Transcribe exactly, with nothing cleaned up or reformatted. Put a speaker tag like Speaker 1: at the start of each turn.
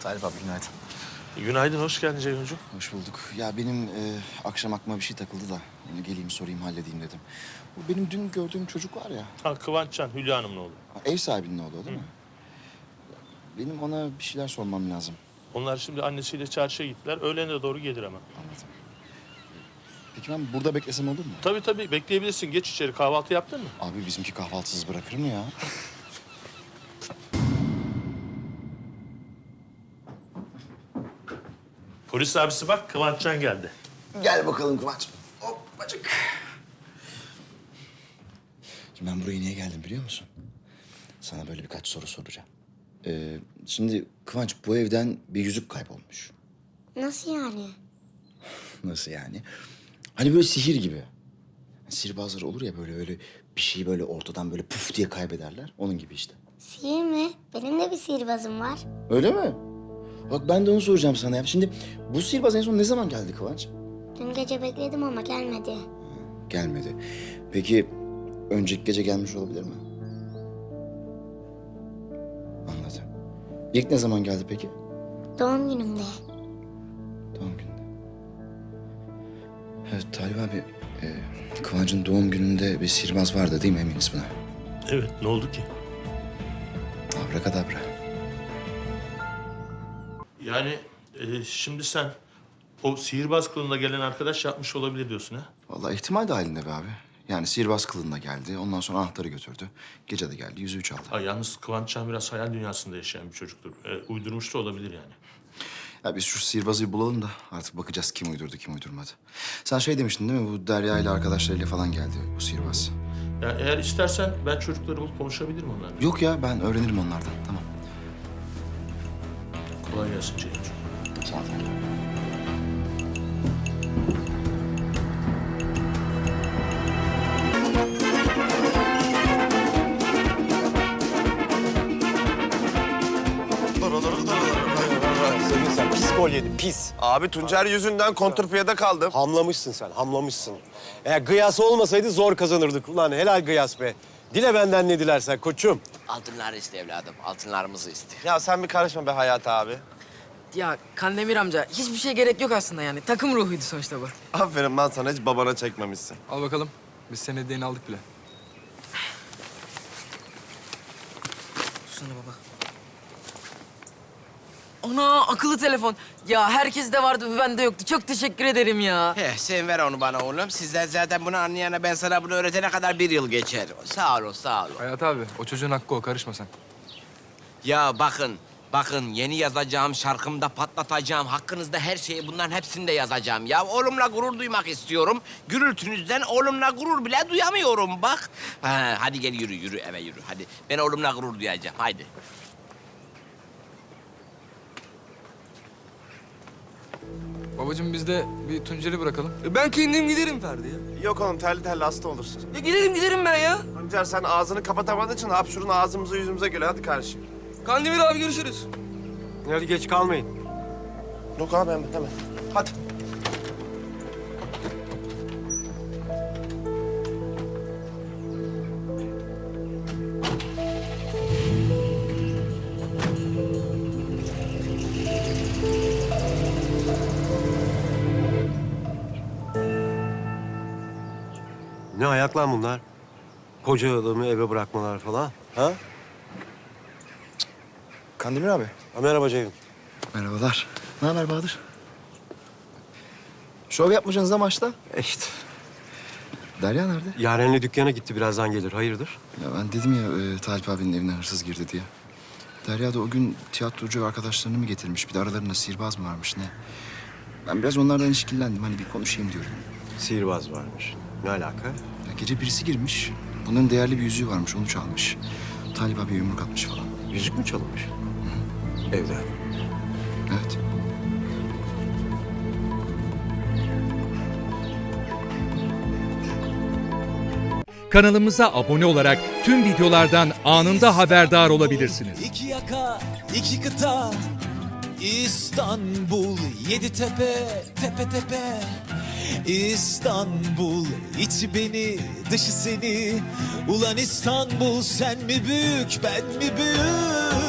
Speaker 1: Talip abi günaydın.
Speaker 2: Günaydın, hoş geldin Ceyhuncuğum.
Speaker 1: Hoş bulduk. Ya benim e, akşam aklıma bir şey takıldı da onu geleyim sorayım halledeyim dedim. Bu benim dün gördüğüm çocuk var ya.
Speaker 2: Ha, Kıvançcan, Hülya Hanım'ın oğlu.
Speaker 1: ha, Ev sahibinin oğlu değil mi? Benim ona bir şeyler sormam lazım.
Speaker 2: Onlar şimdi annesiyle çarşıya gittiler. Öğlene doğru gelir ama.
Speaker 1: Anladım. Peki ben burada beklesem olur mu?
Speaker 2: Tabii tabii, bekleyebilirsin. Geç içeri. Kahvaltı yaptın mı?
Speaker 1: Abi bizimki kahvaltısız bırakır mı ya?
Speaker 2: Polis abisi bak, Kıvançcan geldi.
Speaker 1: Gel bakalım Kıvanç. Hoppacık. Şimdi ben buraya niye geldim biliyor musun? Sana böyle birkaç soru soracağım. Ee, şimdi Kıvanç bu evden bir yüzük kaybolmuş.
Speaker 3: Nasıl yani?
Speaker 1: Nasıl yani? Hani böyle sihir gibi. Sihirbazlar olur ya böyle öyle bir şeyi böyle ortadan böyle puf diye kaybederler. Onun gibi işte.
Speaker 3: Sihir mi? Benim de bir sihirbazım var.
Speaker 1: Öyle mi? Bak ben de onu soracağım sana ya. Şimdi bu sihirbaz en son ne zaman geldi Kıvanç?
Speaker 3: Dün gece bekledim ama gelmedi.
Speaker 1: Gelmedi. Peki önceki gece gelmiş olabilir mi? Anladım. İlk ne zaman geldi peki?
Speaker 3: Doğum günümde.
Speaker 1: Doğum gününde. Evet Talip abi, e, Kıvanç'ın doğum gününde bir sihirbaz vardı değil mi, eminiz buna?
Speaker 2: Evet, ne oldu ki?
Speaker 1: Abrakadabra.
Speaker 2: Yani e, şimdi sen o sihirbaz kılığında gelen arkadaş yapmış olabilir diyorsun ha?
Speaker 1: Vallahi ihtimal dahilinde be abi. Yani sihirbaz kılığında geldi, ondan sonra anahtarı götürdü. Gece de geldi, yüzüğü çaldı.
Speaker 2: Ha, yalnız Kıvançcan biraz hayal dünyasında yaşayan bir çocuktur. E, uydurmuş da olabilir yani.
Speaker 1: Ya biz şu sihirbazı bulalım da artık bakacağız kim uydurdu, kim uydurmadı. Sen şey demiştin değil mi, bu Derya ile arkadaşlarıyla falan geldi bu sihirbaz.
Speaker 2: Ya eğer istersen ben çocukları bulup konuşabilirim onlarla.
Speaker 1: Yok ya, ben öğrenirim onlardan, tamam.
Speaker 2: Kolay gelsin Ceyhuncuğum.
Speaker 1: Sağ ol.
Speaker 4: Senin sen pis gol yedin, pis.
Speaker 5: Abi Tuncer yüzünden kontrpiyede kaldım.
Speaker 4: Hamlamışsın sen, hamlamışsın. Eğer gıyası olmasaydı zor kazanırdık. Ulan helal gıyas be. Dile benden ne dilersen koçum.
Speaker 6: Altınlar iste evladım, altınlarımızı iste.
Speaker 5: Ya sen bir karışma be Hayat abi.
Speaker 7: Ya Kandemir amca hiçbir şey gerek yok aslında yani. Takım ruhuydu sonuçta bu.
Speaker 5: Aferin lan sana, hiç babana çekmemişsin.
Speaker 8: Al bakalım. Biz senin hediyeni aldık bile.
Speaker 7: Sana baba. Ana akıllı telefon. Ya herkes de vardı, bende yoktu. Çok teşekkür ederim ya.
Speaker 6: Heh, sen ver onu bana oğlum. Sizden zaten bunu anlayana ben sana bunu öğretene kadar bir yıl geçer. Sağ olun, sağ olun.
Speaker 8: Hayat abi, o çocuğun hakkı o. Karışma sen.
Speaker 6: Ya bakın, bakın yeni yazacağım şarkımda patlatacağım. Hakkınızda her şeyi bunların hepsini de yazacağım. Ya oğlumla gurur duymak istiyorum. Gürültünüzden oğlumla gurur bile duyamıyorum bak. Ha, hadi gel yürü, yürü eve yürü. Hadi ben oğlumla gurur duyacağım, haydi.
Speaker 8: Babacığım biz de bir Tuncer'i bırakalım.
Speaker 9: Ben kendim giderim Ferdi ya.
Speaker 5: Yok oğlum, terli terli hasta olursun.
Speaker 9: Ya giderim giderim ben ya.
Speaker 5: Tuncer sen ağzını kapatamadığın için hapşurun ağzımıza yüzümüze geliyor. Hadi kardeşim.
Speaker 9: Kandemir abi görüşürüz.
Speaker 4: Hadi geç kalmayın.
Speaker 5: Yok abi hemen hemen. Hadi.
Speaker 4: Ne ayak lan bunlar? Koca adamı eve bırakmalar falan. Ha?
Speaker 1: Kandemir abi.
Speaker 4: ha merhaba Ceyhun.
Speaker 1: Merhabalar. Ne haber Bahadır? Şov yapmayacaksınız da maçta.
Speaker 4: E işte.
Speaker 1: Derya nerede?
Speaker 4: Yaren'le dükkana gitti, birazdan gelir. Hayırdır?
Speaker 1: Ya ben dedim ya e, Talip abinin evine hırsız girdi diye. Derya da o gün tiyatrocu ve arkadaşlarını mı getirmiş? Bir de aralarında sihirbaz mı varmış ne? Ben biraz onlardan işkillendim. Hani bir konuşayım diyorum.
Speaker 4: Sihirbaz varmış. Ne alaka?
Speaker 1: Ya gece birisi girmiş. Bunların değerli bir yüzüğü varmış. Onu çalmış. Talip abi yumruk atmış falan.
Speaker 4: Yüzük mü çalınmış? Evden.
Speaker 1: Evet.
Speaker 10: Kanalımıza abone olarak tüm videolardan anında haberdar olabilirsiniz.
Speaker 11: İki yaka, iki kıta, İstanbul, yedi tepe, tepe tepe. İstanbul, içi beni, dışı seni. Ulan İstanbul, sen mi büyük, ben mi büyük?